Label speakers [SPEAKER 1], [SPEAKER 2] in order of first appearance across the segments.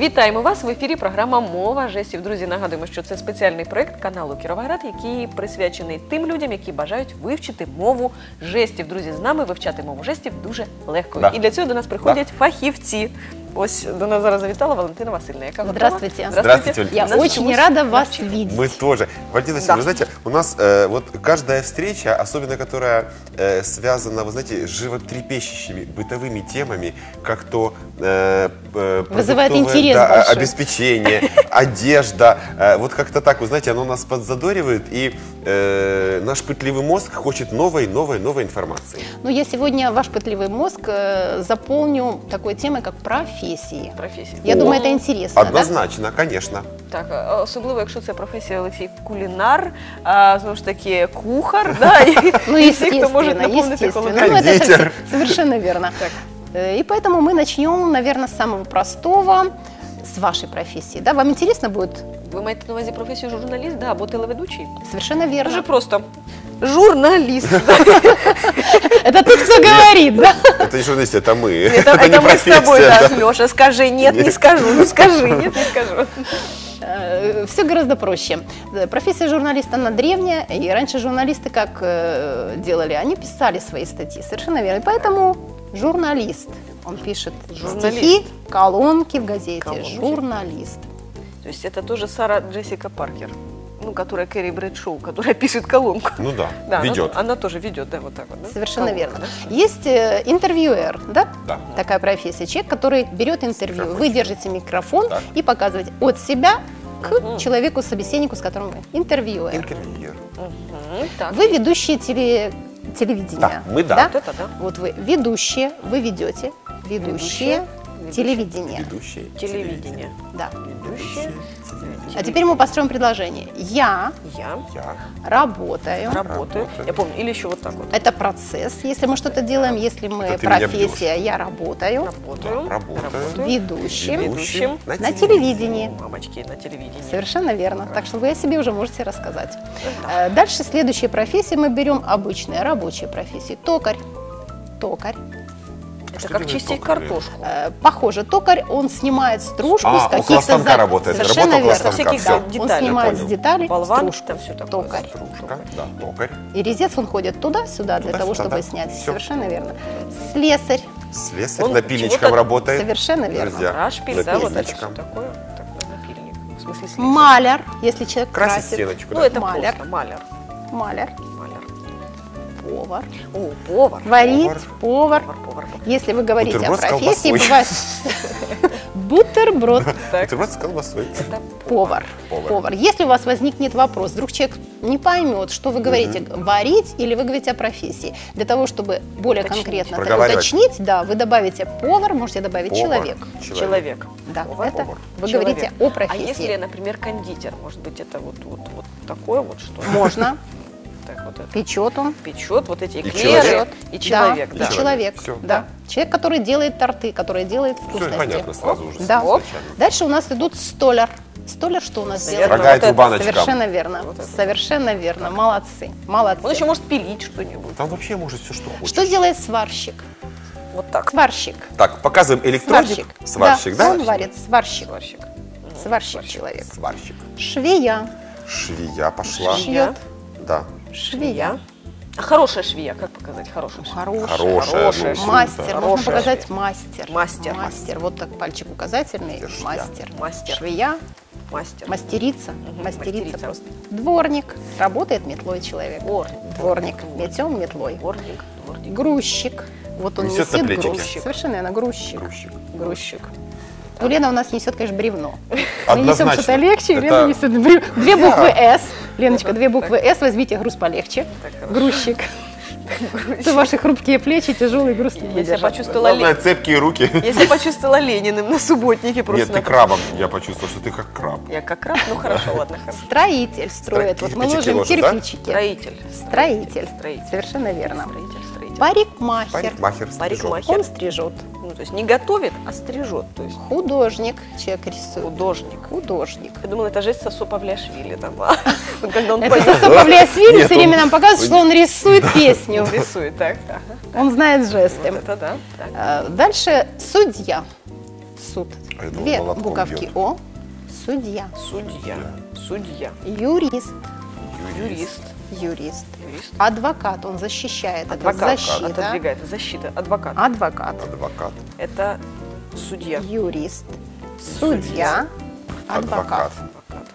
[SPEAKER 1] Вітаємо вас! В ефірі програма «Мова жестів». Друзі, нагадуємо, що це спеціальний проєкт каналу «Кіровоград», який присвячений тим людям, які бажають вивчити мову жестів. Друзі, з нами вивчати мову жестів дуже легко.
[SPEAKER 2] Да.
[SPEAKER 1] І для цього до нас приходять фахівці. Ось до нас зараз завітала Валентина Васильевна. Яка
[SPEAKER 3] Здравствуйте.
[SPEAKER 2] Здравствуйте.
[SPEAKER 3] Я очень рада вас видеть.
[SPEAKER 2] Мы тоже. Валентина Васильевна, вы знаете, у нас вот каждая встреча, особенно которая связана, вы знаете, с животрепещущими бытовыми темами, как то
[SPEAKER 3] вызывает интерес большой.
[SPEAKER 2] Обеспечение, одежда, вот как-то так, вы знаете, оно нас подзадоривает, и наш пытливый мозг хочет новой информации.
[SPEAKER 3] Ну, я сегодня ваш пытливый мозг заполню такой темой, как профессии. Я думаю, это интересно.
[SPEAKER 2] Однозначно, да? Конечно.
[SPEAKER 1] Так, особливо, якщо це професія Олексій кулінар, знову ж таки кухар, да, і всі, хто може наповнити холодильник.
[SPEAKER 3] Ну, это совершенно верно. И поэтому мы начнем, наверное, с самого простого, с вашей профессии. Да? Вам интересно будет?
[SPEAKER 1] Ви маєте на увазі професію журналіст, да, або телеведучий?
[SPEAKER 3] Совершенно верно.
[SPEAKER 1] Дуже просто. Журналист.
[SPEAKER 3] Это тот, кто говорит, да?
[SPEAKER 2] Это не журналист, это мы.
[SPEAKER 1] Это не мы с тобой, да. Леша, скажи, нет, не скажу, ну скажи, нет, не скажу.
[SPEAKER 3] Все гораздо проще. Профессия журналиста, она древняя, и раньше журналисты как делали? Они писали свои статьи, совершенно верно. И поэтому журналист, он пишет стихи, колонки в газете, журналист.
[SPEAKER 1] То есть это тоже Сара Джессика Паркер, ну, которая Кэрри Брэдшоу, которая пишет колонку.
[SPEAKER 2] Ну да, ведет.
[SPEAKER 1] Она тоже ведет, да, вот так вот. Да?
[SPEAKER 3] Совершенно
[SPEAKER 1] колонку,
[SPEAKER 3] верно.
[SPEAKER 1] Да?
[SPEAKER 3] Есть интервьюер, да?
[SPEAKER 2] Да.
[SPEAKER 3] Такая профессия. Человек, который берет интервью. Вы держите микрофон и показываете от себя к человеку, собеседнику, с которым вы. Интервьюер.
[SPEAKER 2] Интервьюер.
[SPEAKER 3] Вы ведущие телевидения.
[SPEAKER 2] Да, мы да.
[SPEAKER 1] Вот это да.
[SPEAKER 3] Вот вы ведущие, вы ведете ведущие телевидение.
[SPEAKER 2] Ведущие
[SPEAKER 1] телевидение.
[SPEAKER 3] Да.
[SPEAKER 1] Ведущие.
[SPEAKER 3] А теперь мы построим предложение. Я работаю.
[SPEAKER 1] Я помню. Или еще вот так вот.
[SPEAKER 3] Это процесс, если мы что-то делаем. Если мы профессия, я работаю.
[SPEAKER 2] Работаю.
[SPEAKER 3] Ведущим на телевидении.
[SPEAKER 1] Мамочки, на телевидении.
[SPEAKER 3] Совершенно верно. Так что вы о себе уже можете рассказать. Дальше следующие профессии мы берем обычные рабочие профессии. Токарь.
[SPEAKER 1] Это как чистить картошку.
[SPEAKER 3] Похоже, токарь, он снимает стружку с каких-то...
[SPEAKER 2] около станка работает.
[SPEAKER 3] Совершенно верно.
[SPEAKER 1] Со всяких деталей.
[SPEAKER 3] Он снимает с деталей
[SPEAKER 1] болванки,
[SPEAKER 3] стружку.
[SPEAKER 1] все такое.
[SPEAKER 3] Токарь.
[SPEAKER 2] Да, токарь.
[SPEAKER 3] И резец, он ходит туда-сюда для того, чтобы снять.
[SPEAKER 2] Все.
[SPEAKER 3] Совершенно верно. Слесарь.
[SPEAKER 2] Слесарь напильничком работает.
[SPEAKER 3] Совершенно верно.
[SPEAKER 2] Друзья,
[SPEAKER 1] Рашпиль, да, вот это все
[SPEAKER 2] напильничком.
[SPEAKER 1] такое. Так, напильник. В смысле слесарь.
[SPEAKER 3] Маляр, если человек
[SPEAKER 2] Красит
[SPEAKER 3] красит.
[SPEAKER 2] стеночку.
[SPEAKER 1] Ну,
[SPEAKER 2] Да.
[SPEAKER 1] это
[SPEAKER 3] Маляр.
[SPEAKER 1] просто маляр.
[SPEAKER 3] Маляр. Повар.
[SPEAKER 1] О, повар.
[SPEAKER 3] Варить, повар.
[SPEAKER 1] Повар.
[SPEAKER 3] Если вы говорите
[SPEAKER 2] Бутерброд
[SPEAKER 3] о
[SPEAKER 2] с
[SPEAKER 3] профессии,
[SPEAKER 2] колбасой.
[SPEAKER 3] бывает бутерброд.
[SPEAKER 2] Бутерброд с колбасой.
[SPEAKER 3] Повар. Если у вас возникнет вопрос, вдруг человек не поймет, что вы говорите, варить или вы говорите о профессии, для того, чтобы более конкретно это уточнить, да, вы добавите повар, можете добавить человек.
[SPEAKER 1] Человек.
[SPEAKER 3] Да,
[SPEAKER 1] Повар.
[SPEAKER 3] это вы говорите о
[SPEAKER 1] А
[SPEAKER 3] профессии.
[SPEAKER 1] если, например, кондитер, может быть, это вот такое вот что?
[SPEAKER 3] Можно.
[SPEAKER 1] Так, вот это.
[SPEAKER 3] Печет он.
[SPEAKER 1] Печет вот эти
[SPEAKER 2] И
[SPEAKER 1] эклеры.
[SPEAKER 2] человек.
[SPEAKER 1] И человек.
[SPEAKER 3] Да,
[SPEAKER 1] Да.
[SPEAKER 3] и человек.
[SPEAKER 2] Всё.
[SPEAKER 3] Да. Человек, который делает торты, который делает
[SPEAKER 2] Все
[SPEAKER 3] вкусности.
[SPEAKER 2] понятно сразу уже.
[SPEAKER 3] Да.
[SPEAKER 2] изначально.
[SPEAKER 3] Дальше у нас идут столяр. Столяр что у нас делает?
[SPEAKER 1] Наверное,
[SPEAKER 2] Рога и
[SPEAKER 1] вот это
[SPEAKER 2] трубаночка.
[SPEAKER 3] Совершенно верно. Совершенно верно. Молодцы. Молодцы.
[SPEAKER 1] Он еще может пилить что-нибудь.
[SPEAKER 2] Там вообще может все, что хочешь.
[SPEAKER 3] Что делает сварщик?
[SPEAKER 1] Вот так.
[SPEAKER 3] Сварщик.
[SPEAKER 2] Так, показываем электроник. Сварщик, да?
[SPEAKER 3] Он варит. Сварщик.
[SPEAKER 1] Сварщик.
[SPEAKER 3] Сварщик человек.
[SPEAKER 2] Сварщик.
[SPEAKER 3] Швея.
[SPEAKER 2] Швея пошла.
[SPEAKER 3] Шьет.
[SPEAKER 2] Да.
[SPEAKER 3] Швея.
[SPEAKER 1] А хорошая швея, как показать хорошую швею?
[SPEAKER 2] Хорошая.
[SPEAKER 1] ну,
[SPEAKER 3] Мастер. Можно
[SPEAKER 1] Хорошая
[SPEAKER 3] показать мастер.
[SPEAKER 1] Мастер.
[SPEAKER 3] Мастер. Вот так пальчик указательный.
[SPEAKER 2] Это швея.
[SPEAKER 3] Мастер.
[SPEAKER 1] Мастер.
[SPEAKER 3] Швея.
[SPEAKER 1] Мастер.
[SPEAKER 3] Мастерица.
[SPEAKER 1] Мгм,
[SPEAKER 3] Мастерица
[SPEAKER 1] мастерица.
[SPEAKER 3] просто. Дворник. Работает метлой человек. Дворник. Метем метлой.
[SPEAKER 1] Дворник.
[SPEAKER 3] Грузчик. Вот он
[SPEAKER 2] Несет на
[SPEAKER 3] несет
[SPEAKER 2] плечике.
[SPEAKER 3] груз. Совершенно верно. Грузчик.
[SPEAKER 2] Грузчик.
[SPEAKER 3] Ну, Лена у нас несет, конечно, бревно. Мы
[SPEAKER 2] Однозначно.
[SPEAKER 3] несем что-то легче,
[SPEAKER 2] Это-
[SPEAKER 3] Лена несет бревно. Две буквы «С». Леночка, две буквы «С», возьмите груз полегче.
[SPEAKER 1] Так, хорошо.
[SPEAKER 3] Грузчик. Это ваши хрупкие плечи, тяжелый груз не
[SPEAKER 1] Если я
[SPEAKER 3] выдержат.
[SPEAKER 1] почувствовала
[SPEAKER 2] Главное, цепкие руки.
[SPEAKER 1] Если я почувствовала Лениным на субботнике просто.
[SPEAKER 2] Нет, ты крабом. Я почувствовал, что ты как краб.
[SPEAKER 1] Я как краб, ну хорошо, ладно, хорошо.
[SPEAKER 3] Строитель строит. Вот мы
[SPEAKER 2] Кирпичики
[SPEAKER 3] ложим
[SPEAKER 2] ложит, да?
[SPEAKER 3] кирпичики.
[SPEAKER 1] Строитель.
[SPEAKER 3] Строитель.
[SPEAKER 1] Строитель.
[SPEAKER 3] Совершенно верно.
[SPEAKER 1] Строитель.
[SPEAKER 3] Парикмахер.
[SPEAKER 2] Парикмахер стрижет.
[SPEAKER 1] Парикмахер.
[SPEAKER 3] Он стрижет.
[SPEAKER 1] Ну, то есть не готовит, а стрижет. То есть
[SPEAKER 3] Художник. Человек рисует.
[SPEAKER 1] художник.
[SPEAKER 3] Художник.
[SPEAKER 1] Я думала, это жесть Сосо Павлиашвили там. Вот когда он
[SPEAKER 3] Это Сосо Павлиашвили
[SPEAKER 2] Нет,
[SPEAKER 3] все время
[SPEAKER 2] он-
[SPEAKER 3] нам показывает, что он рисует песню.
[SPEAKER 1] рисует, так.
[SPEAKER 3] Он знает жесты.
[SPEAKER 1] Вот это да. Так.
[SPEAKER 3] Дальше судья. суд.
[SPEAKER 2] А я думал,
[SPEAKER 3] Две
[SPEAKER 2] молотком
[SPEAKER 3] буковки
[SPEAKER 2] бьет.
[SPEAKER 3] О. Судья.
[SPEAKER 1] Судья. Судья.
[SPEAKER 3] Юрист.
[SPEAKER 1] Юрист.
[SPEAKER 3] Юрист.
[SPEAKER 1] Юрист.
[SPEAKER 3] Адвокат, он защищает, это
[SPEAKER 1] Адвокат.
[SPEAKER 3] защита.
[SPEAKER 1] Отодвигает. Защита. Адвокат.
[SPEAKER 3] Адвокат.
[SPEAKER 2] Адвокат.
[SPEAKER 1] Это судья.
[SPEAKER 3] Юрист. Судья. Адвокат.
[SPEAKER 1] Адвокат.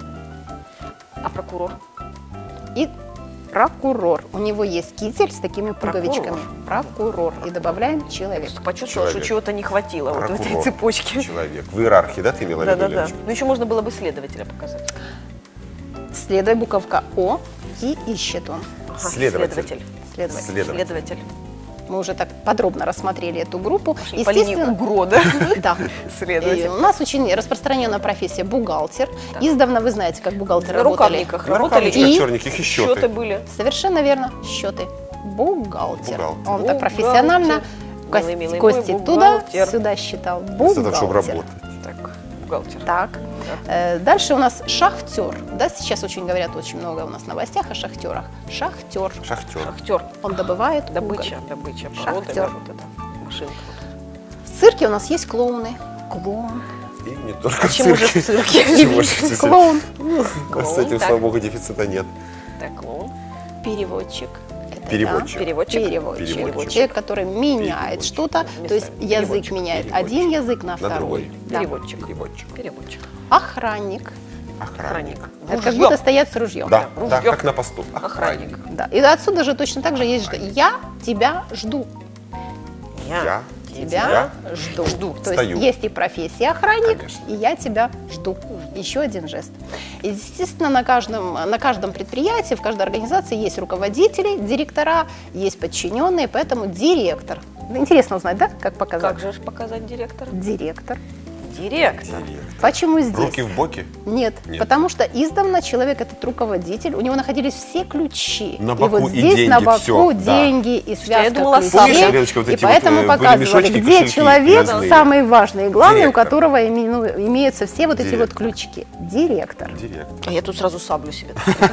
[SPEAKER 1] А прокурор?
[SPEAKER 3] И прокурор. У него есть китель с такими пуговичками. Прокурор. И добавляем человек.
[SPEAKER 1] Просто почувствовала,
[SPEAKER 2] Человек.
[SPEAKER 1] что чего-то не хватило вот в этой
[SPEAKER 2] Прокурор.
[SPEAKER 1] цепочке.
[SPEAKER 2] Человек. В иерархии, да, ты имела в виду,
[SPEAKER 1] Да-да-да.
[SPEAKER 2] Леночка?
[SPEAKER 1] Ну еще можно было бы следователя показать.
[SPEAKER 3] Следуя буковка О, и ищет он.
[SPEAKER 1] Ага,
[SPEAKER 2] Следователь.
[SPEAKER 3] Следователь.
[SPEAKER 1] Следователь.
[SPEAKER 3] Мы уже так подробно рассмотрели эту группу.
[SPEAKER 1] По линии УГРО, да?
[SPEAKER 3] Да.
[SPEAKER 1] Следователь.
[SPEAKER 3] И у нас очень распространенная профессия бухгалтер. Издавна вы знаете, как бухгалтеры
[SPEAKER 1] На
[SPEAKER 3] работали.
[SPEAKER 1] рукавниках
[SPEAKER 2] На
[SPEAKER 1] работали.
[SPEAKER 2] рукавничках
[SPEAKER 3] И
[SPEAKER 2] черненьких и
[SPEAKER 1] Счеты
[SPEAKER 2] счеты.
[SPEAKER 1] были.
[SPEAKER 3] Совершенно верно. Счеты. Бухгалтер.
[SPEAKER 2] Бухгалтер.
[SPEAKER 3] Он так
[SPEAKER 1] Бухгалтер.
[SPEAKER 3] профессионально
[SPEAKER 1] Милый, милый
[SPEAKER 3] кости
[SPEAKER 1] мой
[SPEAKER 3] туда,
[SPEAKER 1] бухгалтер.
[SPEAKER 3] сюда считал.
[SPEAKER 2] Вместо того, чтобы
[SPEAKER 3] Бухгалтер.
[SPEAKER 2] работать.
[SPEAKER 1] Так, бухгалтер.
[SPEAKER 3] Так. Дальше у нас шахтер. Да, сейчас очень говорят, очень много у нас в новостях о шахтерах. Шахтер.
[SPEAKER 2] Шахтер.
[SPEAKER 1] Шахтер.
[SPEAKER 3] Он добывает
[SPEAKER 1] Добыча,
[SPEAKER 3] уголь.
[SPEAKER 1] добыча, породы,
[SPEAKER 3] Шахтер.
[SPEAKER 1] вот эта машинка.
[SPEAKER 3] В цирке у нас есть клоуны. Клоун.
[SPEAKER 2] И не только в
[SPEAKER 1] Почему же в
[SPEAKER 2] цирке.
[SPEAKER 1] цирке?
[SPEAKER 2] Чего же здесь?
[SPEAKER 3] Клоун.
[SPEAKER 2] С этим,
[SPEAKER 1] так.
[SPEAKER 2] слава богу, дефицита нет.
[SPEAKER 1] Так, клоун.
[SPEAKER 3] Переводчик. Это,
[SPEAKER 2] Переводчик.
[SPEAKER 3] да,
[SPEAKER 1] Переводчик.
[SPEAKER 3] Переводчик.
[SPEAKER 2] Переводчик.
[SPEAKER 3] Человек, который меняет
[SPEAKER 2] Переводчик.
[SPEAKER 3] что-то, то есть
[SPEAKER 1] Местами.
[SPEAKER 3] язык
[SPEAKER 1] Переводчик.
[SPEAKER 3] меняет
[SPEAKER 2] Переводчик.
[SPEAKER 3] один язык на
[SPEAKER 2] На
[SPEAKER 3] второй.
[SPEAKER 2] другой.
[SPEAKER 3] Да.
[SPEAKER 1] Переводчик.
[SPEAKER 2] Переводчик.
[SPEAKER 1] Переводчик.
[SPEAKER 3] Охранник.
[SPEAKER 2] Охранник.
[SPEAKER 3] Это как
[SPEAKER 1] Ружье.
[SPEAKER 3] будто стоят с ружьем.
[SPEAKER 2] Да, да,
[SPEAKER 1] Ружье.
[SPEAKER 2] как на посту.
[SPEAKER 1] Охранник.
[SPEAKER 3] Да. И отсюда же точно так же есть, что я тебя жду.
[SPEAKER 2] Я
[SPEAKER 3] Тебя жду.
[SPEAKER 1] Жду.
[SPEAKER 3] То
[SPEAKER 2] Стою.
[SPEAKER 3] есть есть и профессия охранник,
[SPEAKER 2] Конечно.
[SPEAKER 3] и я тебя жду. Еще один жест. И, естественно, на каждом предприятии, в каждой организации есть руководители, директора, есть подчиненные, поэтому директор. Интересно узнать, да, как показать?
[SPEAKER 1] Как же ж показать директора?
[SPEAKER 3] Директор.
[SPEAKER 1] Директор.
[SPEAKER 3] Почему здесь?
[SPEAKER 2] Руки в боки.
[SPEAKER 3] Нет,
[SPEAKER 2] Нет.
[SPEAKER 3] потому что издавна человек этот руководитель, у него находились все ключи.
[SPEAKER 2] На
[SPEAKER 3] и
[SPEAKER 2] боку
[SPEAKER 3] вот
[SPEAKER 2] и
[SPEAKER 3] здесь
[SPEAKER 2] деньги,
[SPEAKER 3] на боку
[SPEAKER 2] всё, да.
[SPEAKER 3] деньги и связка
[SPEAKER 1] я думала,
[SPEAKER 3] ключей.
[SPEAKER 1] Помнишь,
[SPEAKER 2] Леночка, вот
[SPEAKER 3] И
[SPEAKER 2] эти вот,
[SPEAKER 3] поэтому
[SPEAKER 2] были
[SPEAKER 3] показывали,
[SPEAKER 2] мешочки,
[SPEAKER 3] где
[SPEAKER 2] кошельки
[SPEAKER 3] человек
[SPEAKER 2] разные.
[SPEAKER 3] самый важный и главный,
[SPEAKER 2] Директор.
[SPEAKER 3] у которого имеются все вот эти вот
[SPEAKER 2] Директор.
[SPEAKER 3] ключики. Директор.
[SPEAKER 2] Директор.
[SPEAKER 1] А я тут сразу саблю себе.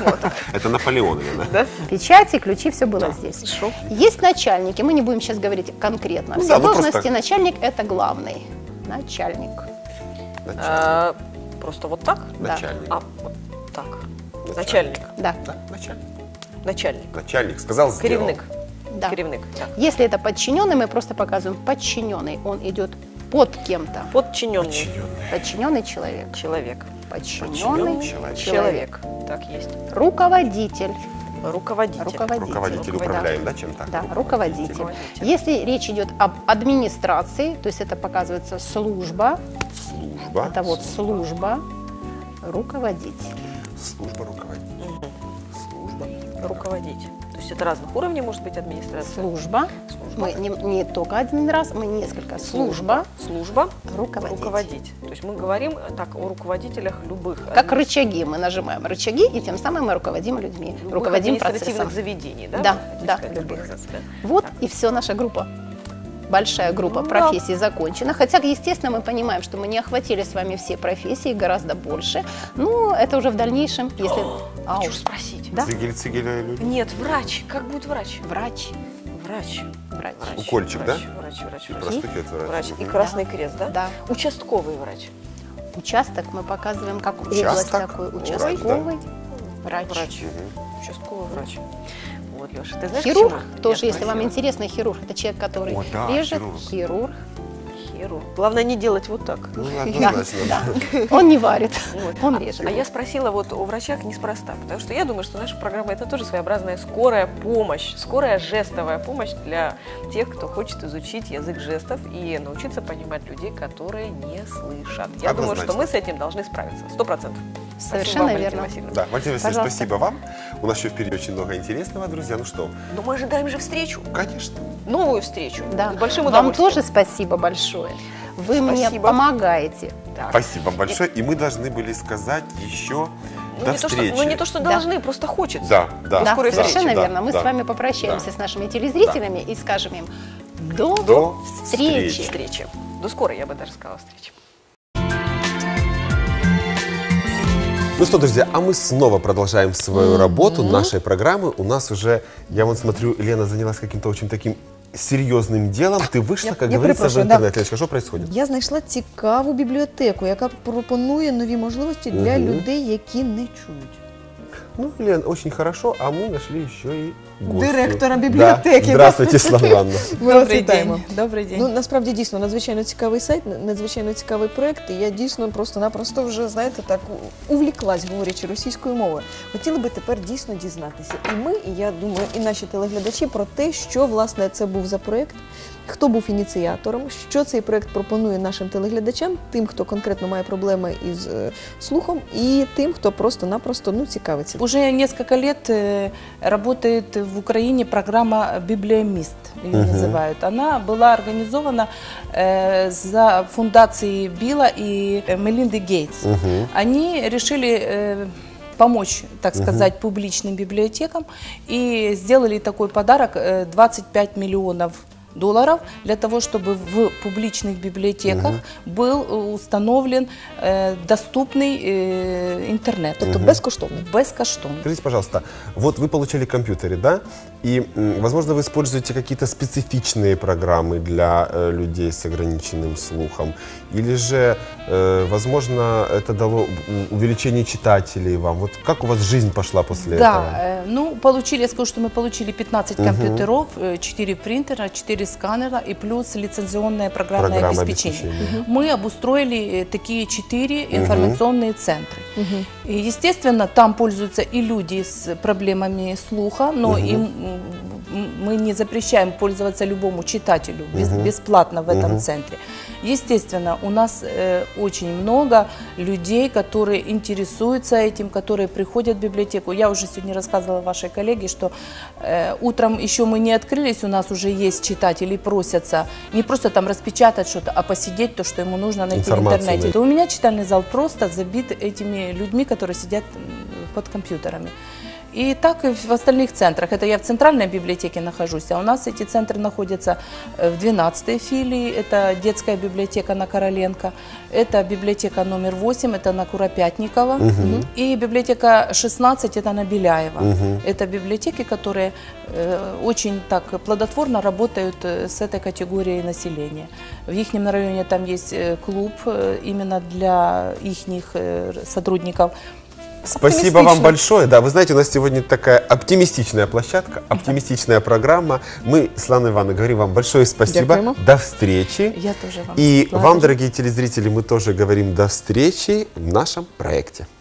[SPEAKER 2] Это Наполеон, наверное.
[SPEAKER 1] Да?
[SPEAKER 3] Печати, ключи, все было здесь.
[SPEAKER 1] Хорошо.
[SPEAKER 3] Есть начальники, мы не будем сейчас говорить конкретно.
[SPEAKER 2] Ну
[SPEAKER 3] Все
[SPEAKER 2] да, ну
[SPEAKER 3] должности
[SPEAKER 2] просто-
[SPEAKER 3] начальник – это главный. Начальник.
[SPEAKER 2] Начальник.
[SPEAKER 1] А, Просто вот так?
[SPEAKER 3] Да.
[SPEAKER 2] Начальник.
[SPEAKER 1] А, вот так. Начальник.
[SPEAKER 3] Да,
[SPEAKER 2] Да, начальник.
[SPEAKER 1] Начальник.
[SPEAKER 2] Начальник. Сказал, сделал.
[SPEAKER 1] Керівник.
[SPEAKER 3] да.
[SPEAKER 1] Керівник. Так.
[SPEAKER 3] Если это подчиненный, мы просто показываем подчиненный. Он идет под кем-то.
[SPEAKER 1] Подчиненный.
[SPEAKER 2] Подчиненный.
[SPEAKER 3] Подчиненный человек.
[SPEAKER 1] Человек.
[SPEAKER 3] Подчиненный
[SPEAKER 2] человек.
[SPEAKER 3] человек.
[SPEAKER 1] Так есть.
[SPEAKER 3] Руководитель.
[SPEAKER 1] Руководитель.
[SPEAKER 2] Руководитель, управляем, да, чем-то?
[SPEAKER 3] Да, руководитель.
[SPEAKER 1] Руководитель.
[SPEAKER 3] Если речь идет об администрации, то есть это показывается служба,
[SPEAKER 2] Служба.
[SPEAKER 3] это вот служба, руководитель.
[SPEAKER 2] Служба руководитель. Служба.
[SPEAKER 1] Руководить. То есть это разных уровней может быть администрация.
[SPEAKER 3] Служба.
[SPEAKER 1] Служба.
[SPEAKER 3] Мы не только один раз, мы несколько. Служба,
[SPEAKER 1] Служба.
[SPEAKER 3] руководить.
[SPEAKER 1] Руководить. То есть мы говорим так о руководителях любых.
[SPEAKER 3] Как рычаги. Мы нажимаем рычаги, и тем самым мы руководим людьми,
[SPEAKER 1] любых
[SPEAKER 3] руководим
[SPEAKER 1] административных
[SPEAKER 3] процессом.
[SPEAKER 1] заведений, да?
[SPEAKER 3] Да,
[SPEAKER 1] вы хотите
[SPEAKER 3] да,
[SPEAKER 1] сказать,
[SPEAKER 3] любых.
[SPEAKER 1] организаций, да?
[SPEAKER 3] Вот
[SPEAKER 1] Так.
[SPEAKER 3] и все, наша группа. Большая группа
[SPEAKER 1] Ну,
[SPEAKER 3] профессий закончена. Хотя, естественно, мы понимаем, что мы не охватили с вами все профессии, гораздо больше. Но это уже в дальнейшем, если... Ау.
[SPEAKER 1] Хочу спросить.
[SPEAKER 3] Да?
[SPEAKER 2] Цигель-цигеля люди.
[SPEAKER 1] Нет, врач. Как будет врач?
[SPEAKER 3] Врач.
[SPEAKER 1] Врач.
[SPEAKER 3] Врач.
[SPEAKER 1] Врач.
[SPEAKER 2] Укольчик,
[SPEAKER 1] врач,
[SPEAKER 2] да?
[SPEAKER 1] Врач, врач,
[SPEAKER 2] И
[SPEAKER 1] врач.
[SPEAKER 2] простукивает врач.
[SPEAKER 1] Врач. И
[SPEAKER 2] Мгм.
[SPEAKER 1] Красный Крест, да?
[SPEAKER 3] Да.
[SPEAKER 1] Участковый врач.
[SPEAKER 3] Участок мы показываем как область
[SPEAKER 2] Участок?
[SPEAKER 3] такой.
[SPEAKER 2] Врач,
[SPEAKER 3] Участковый врач.
[SPEAKER 1] Врач.
[SPEAKER 2] Мгм.
[SPEAKER 1] Участковый врач. Вот, Леша, ты знаешь,
[SPEAKER 3] Хирург
[SPEAKER 1] почему
[SPEAKER 3] тоже,
[SPEAKER 1] я
[SPEAKER 3] если вам
[SPEAKER 1] спросила?
[SPEAKER 3] интересно, хирург. Это человек, который
[SPEAKER 2] О, да,
[SPEAKER 3] режет.
[SPEAKER 2] хирург.
[SPEAKER 3] Хирург.
[SPEAKER 1] Хирург. Главное не делать вот так.
[SPEAKER 2] Ну,
[SPEAKER 3] Да,
[SPEAKER 2] однозначно.
[SPEAKER 3] да. Он не варит,
[SPEAKER 1] Вот.
[SPEAKER 3] он режет.
[SPEAKER 1] А я спросила вот о врачах неспроста, потому что я думаю, что наша программа это тоже своеобразная скорая помощь, скорая жестовая помощь для тех, кто хочет изучить язык жестов и научиться понимать людей, которые не слышат. Я думаю,
[SPEAKER 2] Однозначно.
[SPEAKER 1] что мы с этим должны справиться. 100%.
[SPEAKER 3] Совершенно верно.
[SPEAKER 2] Да, Валентина Васильевна,
[SPEAKER 3] Пожалуйста.
[SPEAKER 2] спасибо вам. У нас еще впереди очень много интересного, друзья. Ну что,
[SPEAKER 1] Но мы ожидаем же встречу,
[SPEAKER 2] конечно.
[SPEAKER 1] новую встречу.
[SPEAKER 3] Да.
[SPEAKER 1] С большим
[SPEAKER 3] Вам
[SPEAKER 1] удовольствием.
[SPEAKER 3] тоже спасибо большое. Вы мне
[SPEAKER 1] Спасибо.
[SPEAKER 3] помогаете.
[SPEAKER 1] Так.
[SPEAKER 2] Спасибо вам большое. И мы должны были сказать еще
[SPEAKER 1] Ну,
[SPEAKER 2] до
[SPEAKER 1] не то,
[SPEAKER 2] встречи.
[SPEAKER 1] что, ну, не то, что
[SPEAKER 3] Да.
[SPEAKER 1] должны, просто хочется.
[SPEAKER 2] Да, да.
[SPEAKER 3] Да,
[SPEAKER 1] скорой
[SPEAKER 3] совершенно
[SPEAKER 1] встречи.
[SPEAKER 2] Да,
[SPEAKER 3] верно. Мы
[SPEAKER 2] да.
[SPEAKER 3] с вами попрощаемся
[SPEAKER 2] Да.
[SPEAKER 3] с нашими телезрителями и скажем им до
[SPEAKER 2] До
[SPEAKER 3] встречи.
[SPEAKER 1] Встречи. До скорой, я бы даже сказала, встречи.
[SPEAKER 2] Ну что, друзья, а мы снова продолжаем свою работу нашей программы. У нас уже, я вон смотрю, Лена занялась каким-то очень таким серьезным делом ты вышла, как
[SPEAKER 4] я
[SPEAKER 2] говорится, в
[SPEAKER 4] перепрошую, да.
[SPEAKER 2] интернет. Леночка, что происходит?
[SPEAKER 4] Я знайшла цікаву бібліотеку, яка пропонує нові можливості для людей, які не чують.
[SPEAKER 2] Ну, Лен, очень хорошо, а мы нашли еще и гостью.
[SPEAKER 4] Директора бібліотеки.
[SPEAKER 2] Да. Здравствуйте, Светлана Ивановна.
[SPEAKER 4] Ми вас вітаємо.
[SPEAKER 5] Добрий день.
[SPEAKER 4] Ну, насправді, дійсно, надзвичайно цікавий сайт, надзвичайно цікавий проєкт, і я дійсно просто-напросто вже, знаєте, так увліклась, говорячи російською мовою. Хотіли би тепер дійсно дізнатися і ми, і я думаю, і наші телеглядачі про те, що, власне, це був за проєкт, хто був ініціатором, що цей проєкт пропонує нашим телеглядачам, тим, хто конкретно має проблеми із слухом, і тим, хто просто-напросто, цікавиться.
[SPEAKER 5] Уже несколько лет работает в Украине программа «Библиомист», ее называют. Она была организована за фундацией Билла и Мелинды Гейтс. Они решили помочь, так сказать, публичным библиотекам и сделали такой подарок 25 миллионов долларов для того, чтобы в публичных библиотеках был установлен доступный интернет.
[SPEAKER 4] Тобто безкоштовно.
[SPEAKER 5] Безкоштовно.
[SPEAKER 2] Скажите, пожалуйста, вот вы получили компьютеры, да? И, возможно, вы используете какие-то специфичные программы для людей с ограниченным слухом? Или же, возможно, это дало увеличение читателей вам? Вот как у вас жизнь пошла после этого?
[SPEAKER 5] Да, ну, я скажу, что мы получили 15 компьютеров, 4 принтера, 4 сканера и плюс лицензионное программное обеспечение. Мы обустроили такие 4 информационные центры. И, естественно, там пользуются и люди с проблемами слуха, но им мы не запрещаем пользоваться любому читателю бесплатно в этом центре. Естественно, у нас очень много людей, которые интересуются этим, которые приходят в библиотеку. Я уже сегодня рассказывала вашей коллеге, что утром еще мы не открылись, у нас уже есть читатели, просятся не просто там распечатать что-то, а посидеть то, что ему нужно найти в интернете. То у меня читальный зал просто забит этими людьми, которые сидят под компьютерами. И так и в остальных центрах. Это я в центральной библиотеке нахожусь, а у нас эти центры находятся в 12-й филии. Это детская библиотека на Короленко, это библиотека номер 8, это на Куропятникова, и библиотека 16, это на Беляева. Это библиотеки, которые очень так плодотворно работают с этой категорией населения. В их районе там есть клуб именно для их сотрудников.
[SPEAKER 2] Спасибо вам большое. Да, вы знаете, у нас сегодня такая оптимистичная площадка, оптимистичная программа. Мы с Ланой Ивановной говорим вам большое спасибо.
[SPEAKER 4] Дякуємо.
[SPEAKER 2] До встречи.
[SPEAKER 5] Я тоже вам
[SPEAKER 2] И
[SPEAKER 5] благодарю.
[SPEAKER 2] вам, дорогие телезрители, мы тоже говорим до встречи в нашем проекте.